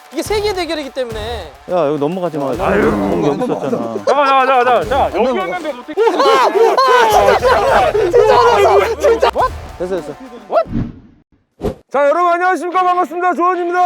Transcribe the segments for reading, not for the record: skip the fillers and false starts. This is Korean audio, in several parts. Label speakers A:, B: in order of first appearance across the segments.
A: 이게 세계 대결이기 때문에.
B: 야 여기 넘어가지 마. 아유 여기 있었잖아.
C: 자 여기 왔는데 어떻게?
A: 진짜.
B: 됐어.
C: 자 여러분 안녕하십니까 반갑습니다 조원입니다.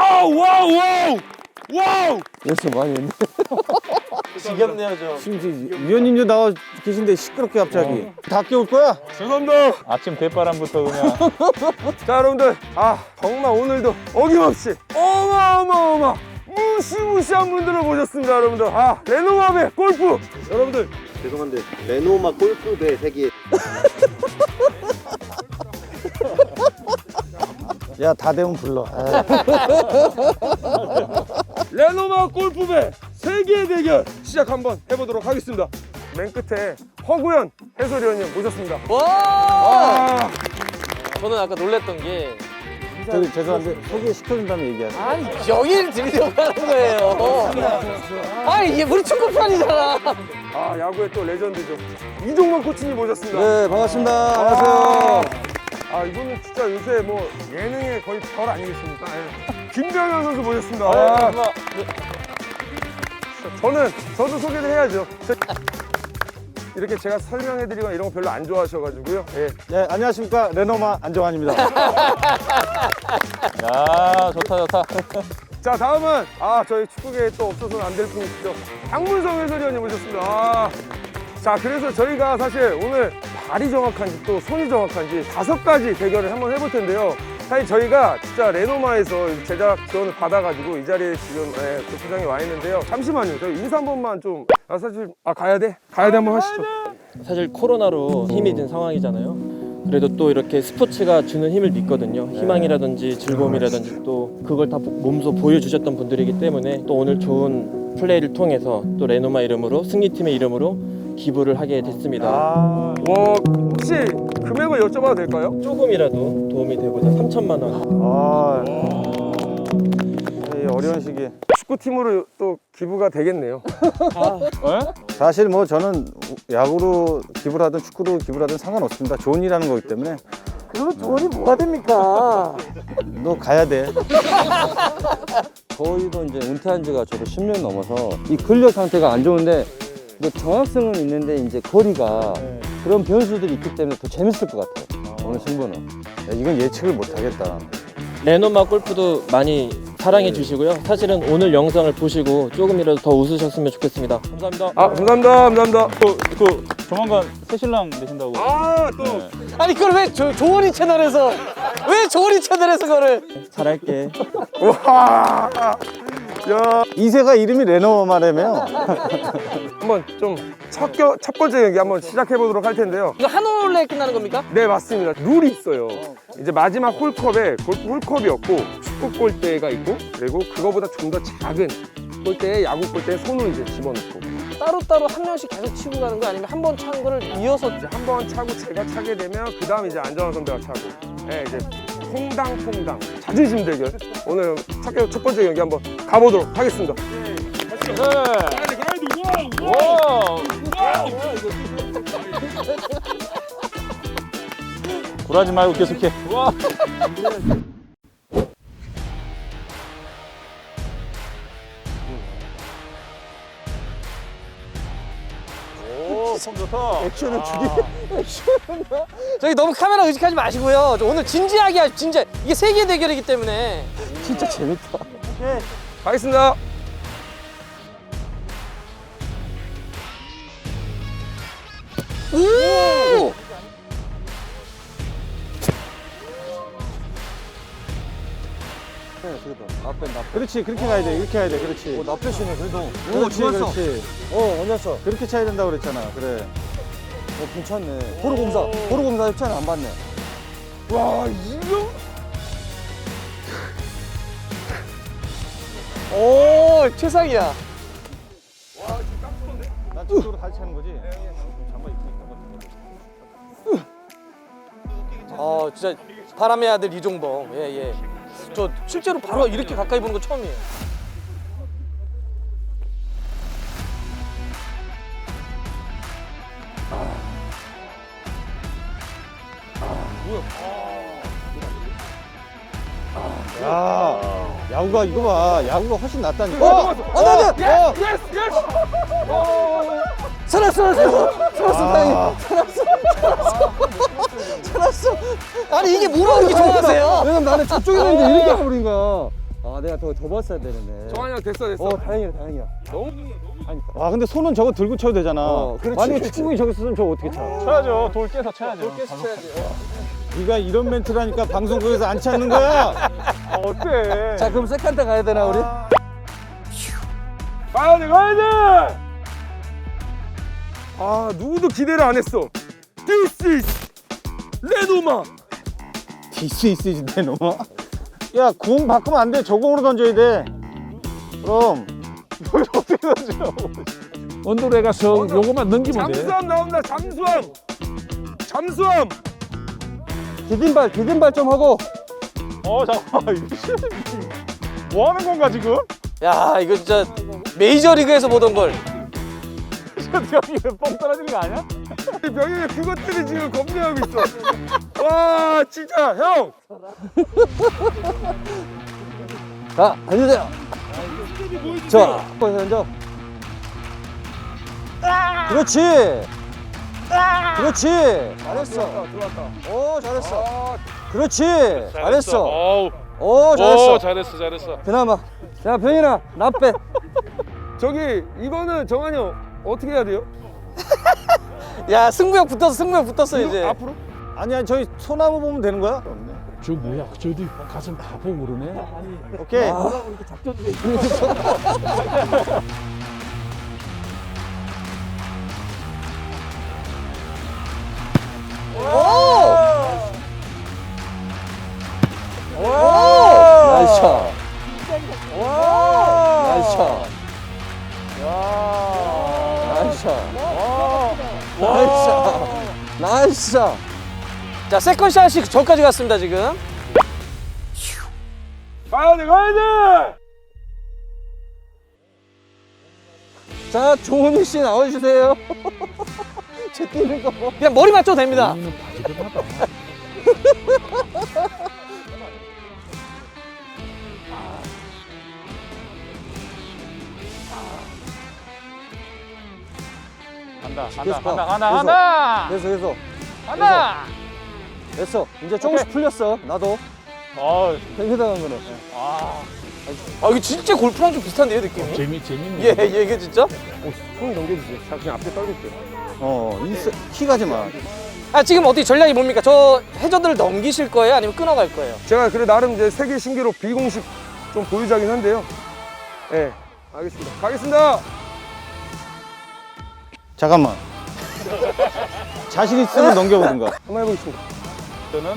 C: 와우.
B: 됐어 많이 했네.
A: 지겹네요 저.
B: 지금 위원님도 나와 계신데 시끄럽게 갑자기. 다 깨울 거야?
C: 죄송합니다.
D: 아침 대바람부터 그냥
C: 자 여러분들 정말 오늘도 어김없이 어마어마 무시무시한 분들을 모셨습니다 여러분들. 레노마배 골프 여러분들
E: 죄송한데 레노마 골프대 세계
B: 야 다 되면 불러.
C: 레노마 골프배 세계 대결 시작 한번 해보도록 하겠습니다. 맨 끝에 허구현 해설위원님 모셨습니다.
A: 와. 저는 아까 놀랬던 게
B: 저기 죄송한데 소개시켜준 다음에 얘기하세요.
A: 아니 여기를 들이대고 하는 거예요. 아니 이게 우리 축구판이잖아.
C: 야구의 또 레전드죠. 이종만 코치님 모셨습니다.
B: 네 반갑습니다. 안녕하세요.
C: 이분은 진짜 요새 뭐 예능의 거의 별 아니겠습니까? 김병현 선수 모셨습니다. 저도 소개를 해야죠. 이렇게 제가 설명해드리거나 이런 거 별로 안 좋아하셔가지고요.
B: 네 안녕하십니까 레노마 안정환입니다.
D: 야 좋다.
C: 자 다음은 저희 축구계에 또 없어서는 안 될 분이시죠. 박문성 해설위원님 모셨습니다. 자 그래서 저희가 사실 오늘 발이 정확한지 또 손이 정확한지 5가지 대결을 한번 해볼 텐데요. 사실 저희가 진짜 레노마에서 제작 지원을 받아가지고 이 자리에 지금 골프장에 와 있는데요. 잠시만요. 저희 인사 한 번만 좀. 사실 가야 돼 한번 하시죠.
F: 사실 코로나로 힘이 든 상황이잖아요. 그래도 또 이렇게 스포츠가 주는 힘을 믿거든요. 희망이라든지 즐거움이라든지 또 그걸 다 몸소 보여주셨던 분들이기 때문에 또 오늘 좋은 플레이를 통해서 또 레노마 이름으로 승리팀의 이름으로 기부를 하게 됐습니다.
C: 혹시 금액을 여쭤봐도 될까요?
F: 조금이라도 도움이 되고자 3천만 원.
B: 이 어려운 시기에
C: 축구팀으로 또 기부가 되겠네요.
B: 사실 뭐 저는 야구로 기부를 하든 축구로 기부를 하든 상관없습니다. 좋은 일하는 거기 때문에.
A: 그러면 돈이 뭐가 됩니까?
B: 너 가야 돼.
G: 저희도 이제 은퇴한 지가 저도 10년 넘어서 이 근력 상태가 안 좋은데 뭐 정확성은 있는데 이제 거리가 그런 변수들이 있기 때문에 더 재밌을 것 같아요. 오늘 승부는.
B: 야, 이건 예측을 못 하겠다.
F: 레노마 골프도 많이 사랑해 주시고요. 사실은 오늘 영상을 보시고 조금이라도 더 웃으셨으면 좋겠습니다. 감사합니다.
C: 감사합니다.
D: 그 조만간 새 신랑 되신다고.
A: 아니 그걸 왜 조원이 채널에서 그거를?
F: 잘할게.
B: 이세가 이름이 레노마라며.
C: 한번 좀 첫 번째 경기 한번 시작해 보도록 할 텐데요.
A: 이거 한 홀에 끝나는 겁니까?
C: 네 맞습니다. 룰이 있어요. 이제 마지막 홀컵에 골프 홀컵이었고 축구 골대가 있고 그리고 그거보다 좀 더 작은 골대에 야구 골대에 손을 이제 집어넣고
A: 따로따로 한 명씩 계속 치고 가는 거 아니면 한 번 찬 거를 이어서
C: 이제 한 번 차고 제가 차게 되면 그 다음 이제 안정환 선배가 차고 이제 퐁당 자존심 대결 오늘 첫 번째 경기 한번 가보도록 하겠습니다.
D: 굴하지 말고 계속해. 폼 좋다.
B: 액션을 주기.
A: 저기 너무 카메라 의식하지 마시고요. 오늘 진지하게 하십시오. 진짜 이게 세계 대결이기 때문에.
B: 진짜 재밌다.
C: 가겠습니다.
A: 오!
B: 그렇지 그렇게 가야 돼. 이렇게 가야 돼. 그렇지.
G: 나 패시네 그래도.
B: 그렇지 그렇지.
G: 언제였어?
B: 그렇게 차야 된다고 그랬잖아. 그래.
G: 괜찮네. 도로공사 협찬을 안 받네.
C: 와 이거
A: 오, 최상이야.
B: 난 저쪽으로 같이 차는 거지. 잠깐 입고
A: 진짜 바람의 아들 이종범. 예. 저 실제로 바로 이렇게 가까이 보는 거 처음이에요.
B: 야, 야구가 이거 봐. 야구가 훨씬 낫다니까.
C: 안 돼! 예스!
A: 살았어 다행히 살았어. 아니 이게 뭐라고 이렇게 좋아하세요?
G: 왜냐면 나는 저쪽에 있는데 이렇게 가버린 거야. 아, 내가 더 봤어야 되는데.
C: 정한이 형 됐어.
G: 다행이야.
B: 와, 근데 손은 저거 들고 쳐도 되잖아.
G: 만약에 축구공이 저기 있으면 저거 어떻게 차?
D: 쳐야죠. 돌 깨서 쳐야죠.
B: 네가 이런 멘트라니까 방송국에서 안 찾는 거야.
D: 어때?
G: 자, 그럼 세컨드 가야 되나 우리?
C: 가야 돼! 아, 누구도 기대를 안 했어. This is 레노마.
B: 디스 있으신데 너무. 야, 공 바꾸면 안 돼. 저 공으로 던져야 돼. 그럼 어떻게 던져?
H: 언더에 가서 요거만 넘기면 돼.
C: 잠수함 나온다. 잠수함.
G: 디딤발 좀 하고.
D: 잠깐만. 뭐 하는 건가 지금?
A: 야 이거 진짜 메이저리그에서 보던 걸.
D: 여기 뻥 떨어지는 거 아니야?
C: 병영이 그것 때문에 지금 겁내하고 있어. 와, 진짜 형.
G: 자, 앉으세요. 자, 거기서 앉아. 그렇지. 잘했어.
C: 들어왔다.
G: 오, 잘했어.
C: 아,
G: 그렇지. 잘했어.
H: 어우.
G: 오, 잘했어.
H: 잘했어.
G: 그나마. 자, 병인아, 나 빼.
C: 저기 이거는 정한이 형 어떻게 해야 돼요?
A: 야 승부욕 붙었어 이제.
C: 앞으로?
B: 아니야, 저기 소나무 보면 되는 거야?
H: 저 뭐야? 저기 가슴 다 보고 그러네.
B: 오케이.
G: 나이스 샷. 나이스 샷. 나이스 샷. 나이스 샷. 나이스 샷.
A: 자 세컨샷이 저까지 갔습니다 지금.
C: 가야 돼!
G: 자, 조은희 씨 나와주세요. 제 뛰는 거.
A: 그냥 머리 맞춰도 됩니다.
H: 우리는 바지런하다.
D: 간다.
G: 계속.
D: 간다.
G: 됐어. 이제 조금씩 풀렸어. 나도. 팽팽한 거는.
A: 아 이거 진짜 골프랑 좀 비슷한데요 느낌이?
H: 재밌네.
A: 예 이게 진짜?
C: 손 넘겨주세요. 자, 그냥 앞에 떨굴게요.
B: 키 가지 마.
A: 아 지금 어떻게 전략이 뭡니까? 저 해저드를 넘기실 거예요? 아니면 끊어갈 거예요?
C: 제가 그래 나름 이제 세계 신기록 비공식 좀 보유자긴 한데요. 예, 알겠습니다. 가겠습니다.
B: 잠깐만. 자신 있으면 넘겨보든가.
C: 한번 해보겠습니다.
D: 저는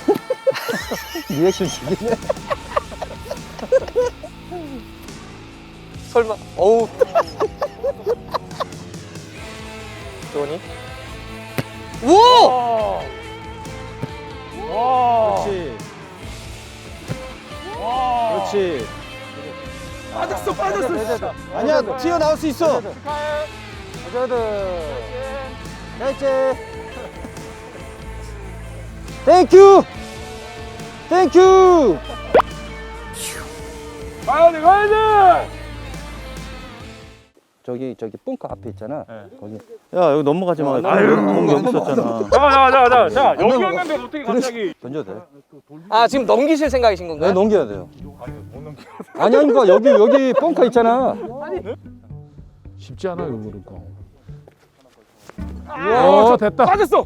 G: 리액션 죽이네.
A: 설마 어우 조니 우와
B: 그렇지. 그렇지.
C: 빠졌어.
B: 아니야, 튀어나올 수 있어.
G: 해저드. 나이스. 땡큐.
C: 가야 돼!
G: 저기 뽕카 앞에 있잖아. 거기.
B: 야, 여기 넘어가지 마. 공 여기 있었잖아.
D: 자, 여기 왔는데 어떻게 갑자기?
G: 던져도 돼.
A: 아 지금 넘기실 생각이신
G: 네,
A: 건가요?
G: 넘겨야 돼요. 아니, 그러니까 여기 뽕카 있잖아.
H: 쉽지 않아요, 그러니까.
G: 어,
H: 됐다.
C: 빠졌어.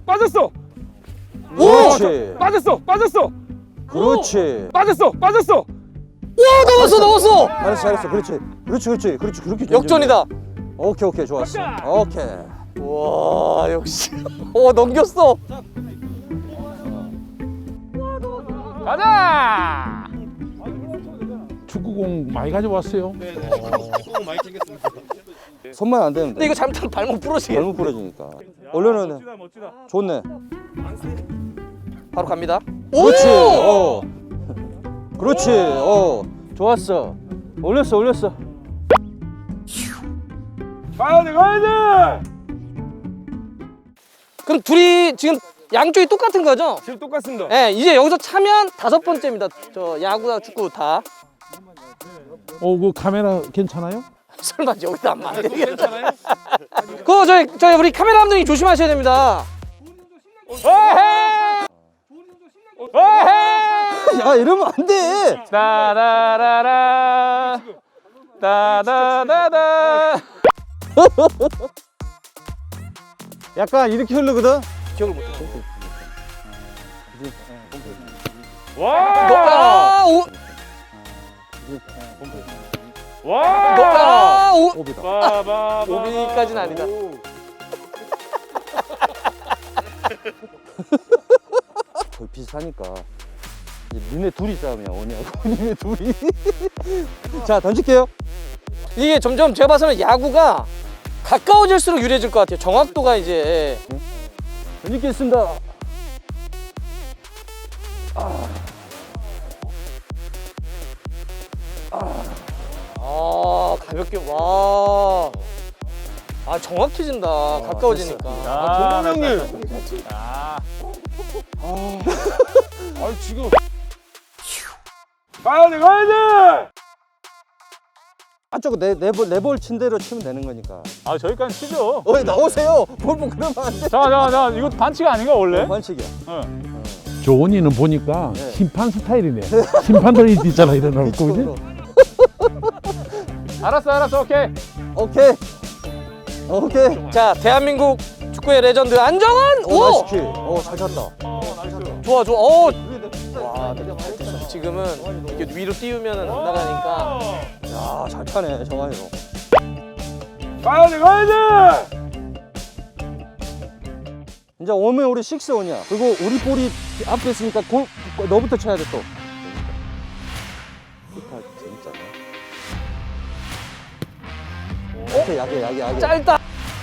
G: 그렇지.
C: 빠졌어.
G: 그렇지.
C: 빠졌어.
A: 와 넘었어
G: 잘했어. 그렇지. 그렇게 던져.
A: 역전이다.
G: 오케이, 좋았어. 오케이.
A: 와 역시 넘겼어.
D: 가자.
H: 축구공 많이 가져왔어요.
G: 손만 안 되면
A: 근데
G: 돼.
A: 이거 잘못하면 발목 부러지겠네.
G: 잘못 부러지니까. 원래는 좋네.
A: 바로 갑니다.
G: 그렇지.
A: 오!
G: 그렇지. 좋았어. 올렸어.
C: 가야 돼!
A: 그럼 둘이 지금 양쪽이 똑같은 거죠?
C: 지금 똑같습니다.
A: 네, 이제 여기서 차면 5번째입니다. 저 야구나 축구 다.
H: 그 카메라 괜찮아요?
A: 설마 여기다 안 맞네. 괜찮아요? 그거 저희 우리 카메라 감독님 조심하셔야 됩니다.
G: 야 이러면 안 돼.
D: 따라라라 따다다다.
B: 약간 이렇게 흐르거든.
A: 기억을 못해.
D: 와.
A: 아, 오.
D: 와.
A: 아, 오.
D: 빠바바.
A: 오비까지는 아니다.
G: 거의 비슷하니까. 니네 둘이 싸움이야 오냐고. 니네 둘이. 자 던질게요.
A: 이게 점점 제가 봐서는 야구가 가까워질수록 유리해질 것 같아요. 정확도가 이제.
G: 던지겠습니다.
A: 아, 가볍게. 와. 아, 정확해진다. 가까워지니까.
C: 조범 형님.
D: 아.
C: 아 지금. 가야 돼.
G: 안쪽 네볼 친 대로 치면 되는 거니까.
D: 아 저기까지 치죠.
G: 나오세요. 볼보 그러면 안 돼.
D: 자 이거 반칙 아닌가 원래?
G: 반칙이야.
H: 조원이는 보니까
G: 네.
H: 심판 스타일이네. 심판들이 있잖아 일어나고 그지?
D: 알았어 오케이.
G: 오케이.
A: 자, 대한민국 축구의 레전드 안정환. 오!
G: 나이스 킬. 잘 찼다.
A: 좋아. 오! 와, 지금은 이렇게 위로 띄우면 안 나가니까.
G: 야, 잘 차네, 정한이로.
C: 가야 돼.
G: 이제 오면 우리 6온이야. 그리고 우리 볼이 앞에 있으니까 너부터 쳐야 돼 또. 재밌잖아. 약해.
A: 짧다.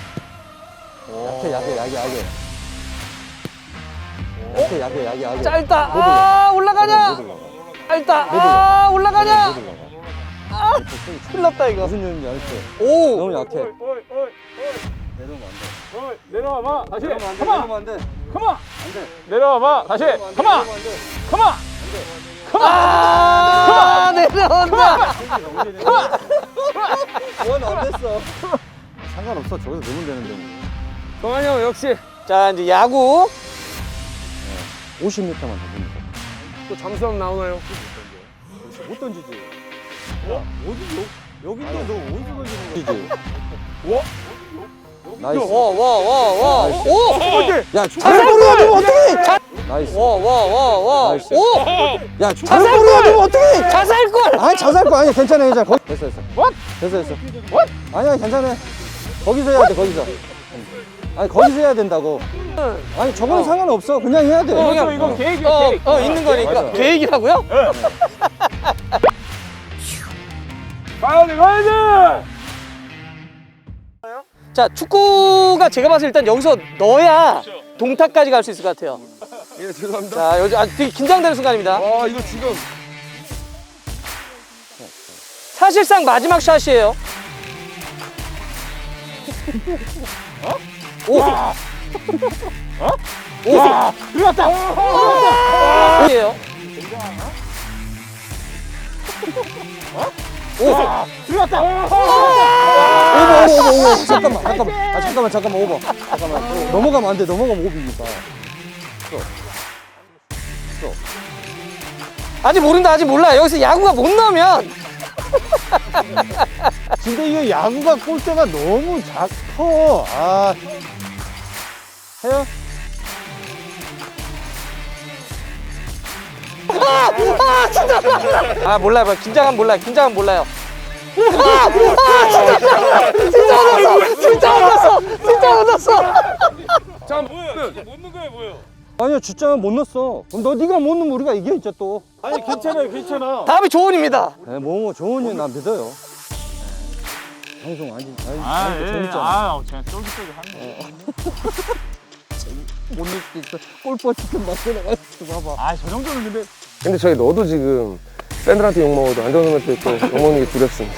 G: 약해.
A: 짧다. 아, 올라가냐? 짧다. 아, 올라가냐? 아, 큰일 났다 이거.
G: 무슨 일인지 알겠어.
A: 오!
G: 너무 약해.
D: 내려오면 안 돼. 내려와봐 다시.
G: 내려오면 안 돼.
D: 컴온. 내려와봐 다시. 컴온.
A: 아, 내려온다.
G: 그건 안 됐어.
B: 상관없어. 저기서 넣으면 되는데 뭐.
C: 정한이 형 역시.
A: 자, 이제 야구.
G: 50m만 더 던져.
C: 또 잠수함 나오나요?
G: 못 던지지. 여기인데 너 어디서 던지는 거지? 나이스.
A: 와. 오!
G: 야, 잘볼이야 너 어떡해? 나이스.
A: 와.
G: 나이스.
A: 오!
G: 야, 잘볼이야 너 어떡해?
A: 자살골!
G: 아니 자살거 아니야. 괜찮아. 됐어. 됐어. 아니야, 괜찮아. 거기서 해야 돼. 거기서. 아니 거기서 해야 된다고. 아니 저거는 상관없어. 그냥 해야 돼.
D: 이거 계획이야 계획.
A: 있는 거니까.
G: 맞아.
A: 계획이라고요?
C: 가야 돼.
A: 자, 축구가 제가 봤을 때 일단 여기서 넣어야 동타까지 갈 수 있을 것 같아요.
C: 예, 죄송합니다.
A: 자, 요즘 되게 긴장되는 순간입니다.
C: 와, 이거 지금.
A: 사실상 마지막 샷이에요. 오!
D: 와 들어갔다.
A: 이에요.
D: 들어갔다.
G: 오버. 잠깐만. 오버. 잠깐만. 넘어가면 안 돼. 넘어가면 오비니까.
A: 아직 모른다. 아직 몰라. 여기서 야구가 못 넣으면
B: 근데 이게 야구가 골대가 너무 작어. 아,
G: 해요?
A: 아, 몰라요. 긴장하면 몰라요. 진짜 얻었어.
C: 자,
D: 못는 거야 뭐예요?
G: 아니야, 진짜는 못 넣었어. 그럼 네가 못 넣으면 우리가 이겨 있자 또.
C: 아니 괜찮아.
A: 다음이 조은입니다.
G: 뭐 좋은 난 믿어요. 방송 아니 재밌잖아.
D: 그냥 쫄깃쫄깃 하네.
G: 못 넣을 수도 있어. 골퍼 치킨 만들어가지고 봐봐.
D: 저 정도는
C: 근데 저희 너도 지금 팬들한테 욕먹어도 안정선한테 또 욕먹는 게 두렵습니다.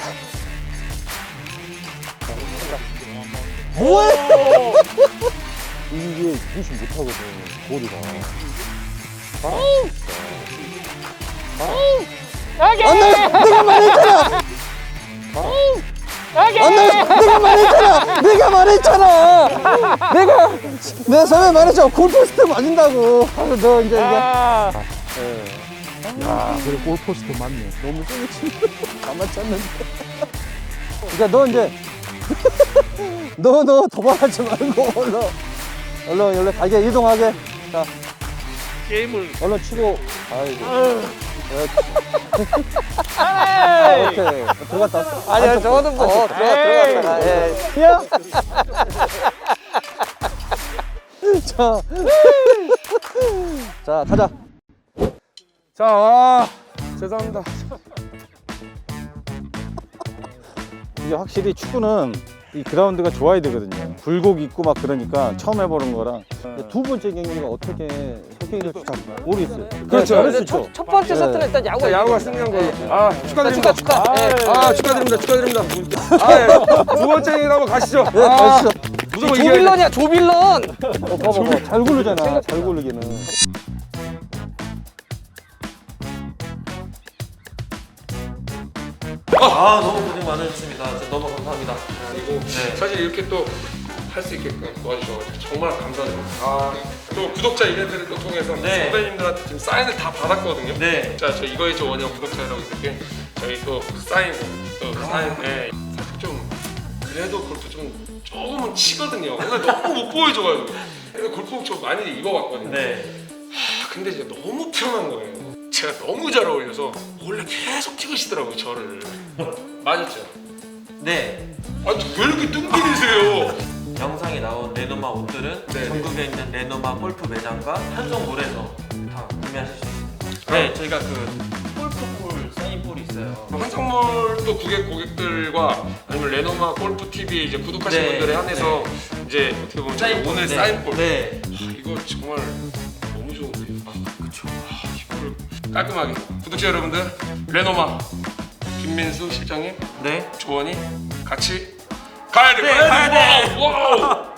G: 이게 무시 못하거든, 골이가. 내가 말했잖아! 내가 말했잖아. 내가 전에 말했잖아. 골포스트 맞는다고. 그래서 너 이제
H: 야, 그래 골포스트 맞네.
G: 너무 세게 치네. 가만 찼는데. 그러니까 너 이제 너 도망하지 말고 얼른 가게 이동하게. 자,
D: 게임을
G: 얼른 치고. 아이고. 오케이. 들어갔다.
A: 아니야, 저거는 뭐 들어갔다가. 예.
G: 야. 자, 가자.
C: 자, 죄송합니다.
B: 이게 확실히 축구는 이 그라운드가 좋아야 되거든요. 굴곡 있고 막 그러니까 처음 해보는 거랑.
G: 두 번째 경기가 어떻게 호킹이 될지 잘 모르겠어요.
C: 그렇죠.
G: 잘할 수 있죠.
A: 첫 번째 세트는 일단 야구가
C: 자, 야구가
A: 이기는
C: 승리한
A: 거예요.
C: 걸로. 아, 축하드립니다.
A: 축하. 예.
C: 축하드립니다. 아, 예. 두 번째 경기 한번 가시죠.
G: 네, 가시죠.
C: 무조건 이겨야 돼.
A: 조빌런이야, 조빌런.
G: 봐봐. 잘 고르잖아. 잘 고르기는.
F: 아 너무 고생 많으셨습니다. 진짜 너무 감사합니다.
C: 그리고 사실 이렇게 또 할 수 있게끔 도와주셔서 정말 감사드립니다. 또 구독자 이벤트를 또 통해서
F: 네.
C: 선배님들한테 지금 사인을 다 받았거든요.
F: 네.
C: 자, 저 이거의 저 원형 구독자 여러분들께 저희 또 사인, 네. 사실 좀 그래도 골프 좀 조금은 치거든요. 근데 너무 못 보여줘가지고. 그래서 골프 좀 많이 입어봤거든요.
F: 네.
C: 근데 이제 너무 편한 거예요. 제가 너무 잘 어울려서 원래 계속 찍으시더라고요, 저를. 맞았죠?
F: 네.
C: 왜 이렇게 뚱뚱이세요?
F: 영상에 나온 레노마 옷들은
C: 네.
F: 전국에 있는 레노마 골프 매장과 한성몰에서 다 구매하실 수 있습니다. 네, 저희가 그 골프볼 사인볼이 있어요.
C: 한성몰 또 고객들과 아니면 레노마 골프 TV 이제 구독하신
F: 네.
C: 분들에 한해서 이제 어떻게 보면 저희 오늘
F: 네.
C: 사인볼
F: 네.
C: 이거 정말 너무 좋은데요. 그렇죠. 이거를 깔끔하게 구독자 여러분들 레노마 김민수 실장님
F: 네.
C: 조원이 같이 가야 돼.
F: 네, 가야 돼.
C: 와우.